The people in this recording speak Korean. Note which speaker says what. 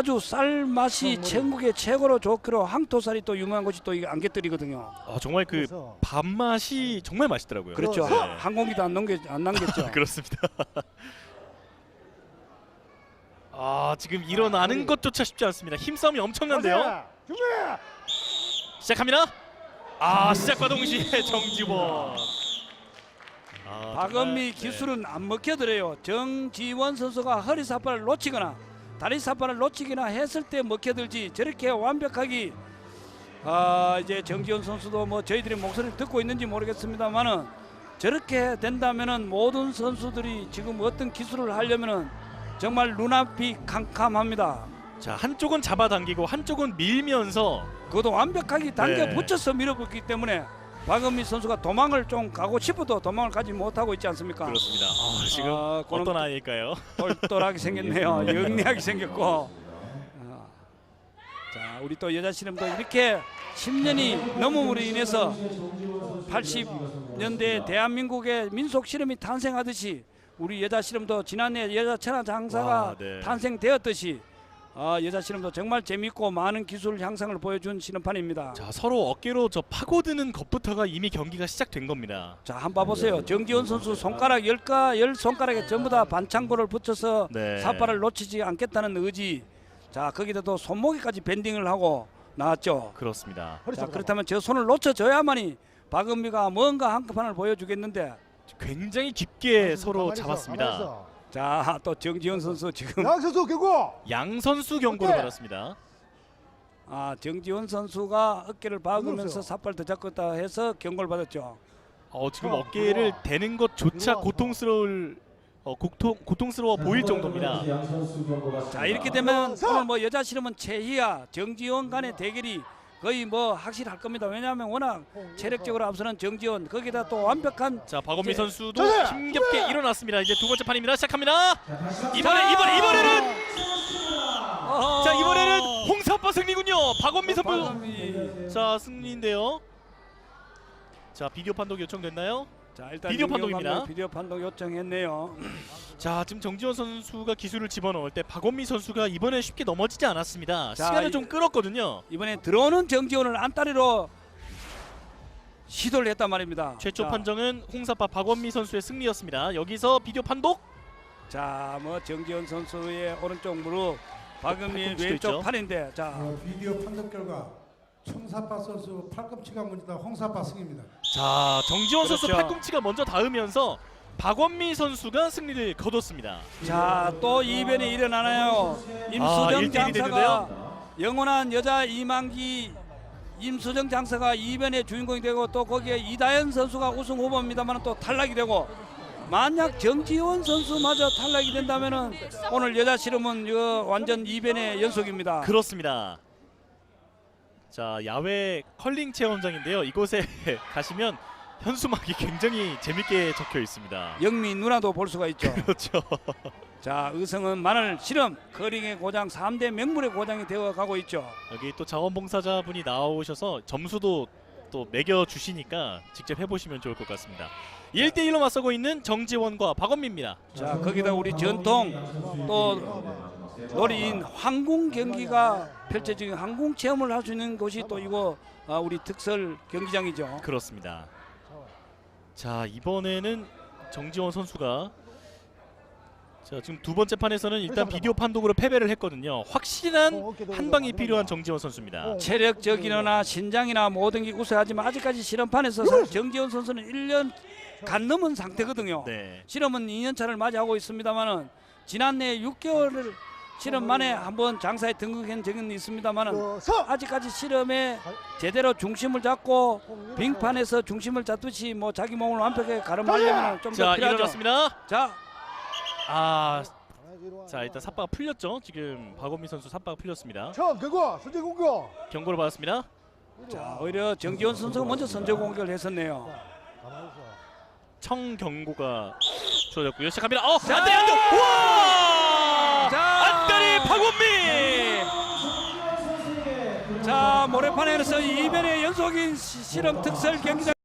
Speaker 1: 아주 쌀 맛이 천국의 최고로 좋기로 항토살이 또 유명한 것이 또 이게 안갯들이거든요.
Speaker 2: 정말 그 밥맛이 정말 맛있더라고요.
Speaker 1: 그렇죠.
Speaker 2: 네.
Speaker 1: 한 공기도 안 남겼죠.
Speaker 2: 그렇습니다. 지금 일어나는 것조차 쉽지 않습니다. 힘싸움이 엄청난데요. 시작합니다. 시작과 동시에 정지원.
Speaker 1: 박은미 기술은 안 먹혀들어요. 정지원 선수가 허리 삿발을 놓치거나 다리 삿발을 놓치거나 했을 때 먹혀들지 저렇게 완벽하게 이제 정지원 선수도 뭐 저희들의 목소리를 듣고 있는지 모르겠습니다만은 저렇게 된다면은 모든 선수들이 지금 어떤 기술을 하려면은 정말 눈앞이 캄캄합니다.
Speaker 2: 자, 한쪽은 잡아당기고 한쪽은 밀면서
Speaker 1: 그것도 완벽하게 당겨 붙여서 밀어붙기 때문에 박은미 선수가 도망을 좀 가고 싶어도 도망을 가지 못하고 있지 않습니까?
Speaker 2: 그렇습니다. 지금 어떤 아이일까요?
Speaker 1: 똘똘하게 생겼네요. 영리하게 생겼고. 자, 우리 또 여자 씨름도 이렇게 10년이 넘음으로 인해서 80년대 대한민국의 민속 씨름이 탄생하듯이 우리 여자 씨름도 지난해 여자 천하장사가 탄생되었듯이 여자 씨름도 정말 재밌고 많은 기술 향상을 보여준 씨름판입니다.
Speaker 2: 자, 서로 어깨로 파고드는 것부터가 이미 경기가 시작된 겁니다.
Speaker 1: 자, 한번 봐보세요. 정지원 선수 손가락 10손가락에 전부 다 반창고를 붙여서 삿발을 놓치지 않겠다는 의지. 자, 거기다 또 손목에까지 밴딩을 하고 나왔죠.
Speaker 2: 그렇습니다.
Speaker 1: 자, 그렇다면 저 손을 놓쳐줘야만이 박은미가 뭔가 한꺼판을 보여주겠는데
Speaker 2: 굉장히 깊게 서로 잡았습니다.
Speaker 1: 자, 또 정지원 선수 지금
Speaker 3: 양선수 경고.
Speaker 2: 양선수 경고를 받았습니다.
Speaker 1: 정지원 선수가 어깨를 박으면서 삿발 더 잡고 있다 해서 경고를 받았죠.
Speaker 2: 지금 어깨를 대는 것조차 고통스러워 보일 정도입니다.
Speaker 1: 자, 이렇게 되면 오늘 뭐 여자 씨름은 최희아, 정지원 간의 대결이 거의 뭐 확실할 겁니다. 왜냐하면 워낙 체력적으로 앞서는 정지원, 거기다 또 완벽한.
Speaker 2: 자, 박원미 선수도 힘겹게 일어났습니다. 이제 두 번째 판입니다. 시작합니다. 이번에는 자, 이번에는 홍사빠 승리군요. 박원미 선수 자, 승리인데요. 자, 비디오 판독 요청됐나요?
Speaker 1: 자, 일단
Speaker 2: 비디오 판독입니다.
Speaker 1: 비디오 판독 요청했네요.
Speaker 2: 자, 지금 정지원 선수가 기술을 집어넣을 때 박원미 선수가 이번에 쉽게 넘어지지 않았습니다.
Speaker 1: 자,
Speaker 2: 시간을 좀 끌었거든요.
Speaker 1: 이번에 들어오는 정지원을 안다리로 시도를 했단 말입니다.
Speaker 2: 최초 판정은 홍사파 박원미 선수의 승리였습니다. 여기서 비디오 판독.
Speaker 1: 자, 뭐 정지원 선수의 오른쪽 무릎, 박은미 왼쪽 팔인데, 자,
Speaker 3: 비디오 판독 결과 청사파 선수 팔꿈치가 먼저 홍사파 승입니다.
Speaker 2: 자, 정지원 선수
Speaker 1: 그렇죠.
Speaker 2: 팔꿈치가 먼저 닿으면서 박원미 선수가 승리를 거뒀습니다.
Speaker 1: 자, 또 이변이 일어나나요? 임수정 장사가 영원한 여자 이만기 임수정 장사가 이변의 주인공이 되고 또 거기에 이다현 선수가 우승 후보입니다만 또 탈락이 되고, 만약 정지원 선수마저 탈락이 된다면은 오늘 여자 씨름은 완전 이변의 연속입니다.
Speaker 2: 그렇습니다. 자, 야외 컬링 체험장인데요. 이곳에 가시면 현수막이 굉장히 재밌게 적혀 있습니다.
Speaker 1: 영미 누나도 볼 수가 있죠.
Speaker 2: 그렇죠.
Speaker 1: 자, 의성은 마늘 씨름 커링의 고장 3대 명물의 고장이 되어 가고 있죠.
Speaker 2: 여기 또 자원봉사자분이 나오셔서 점수도 또 매겨 주시니까 직접 해보시면 좋을 것 같습니다. 1대1로 맞서고 있는 정지원과 박원미입니다.
Speaker 1: 자, 거기다 우리 전통 또 놀이인 황궁 경기가 펼쳐지는 항공 체험을 할 수 있는 곳이 또 이거 우리 특설 경기장이죠.
Speaker 2: 그렇습니다. 자, 이번에는 정지원 선수가 지금 두 번째 판에서는 일단 비디오 판독으로 패배를 했거든요. 확실한 한 방이 필요한 정지원 선수입니다.
Speaker 1: 체력적이나 신장이나 모든 게 우세하지만 아직까지 실험판에서 사실 정지원 선수는 1년 간 넘은 상태거든요. 실험은 2년 차를 맞이하고 있습니다만은 지난해 6개월을 실험 만에 한번 장사에 등극한 적은 있습니다만은 아직까지 실험에 제대로 중심을 잡고 빙판에서 중심을 잡듯이 뭐 자기 몸을 완벽하게 가름하려면 좀 더 필요하죠.
Speaker 2: 일어났습니다.
Speaker 1: 자,
Speaker 2: 자, 일단 삿바가 풀렸죠. 지금 박원미 선수 삿바가 풀렸습니다.
Speaker 3: 경고, 선제 공격.
Speaker 2: 경고를 받았습니다.
Speaker 1: 자, 오히려 정지원 선수가 먼저 선제 공격을 했었네요.
Speaker 2: 청 경고가 주어졌고요. 시작합니다. 안돼. 우와! 안다리 박원미.
Speaker 1: 자, 모래판에서 이변의 연속인 실험 특설 경기장.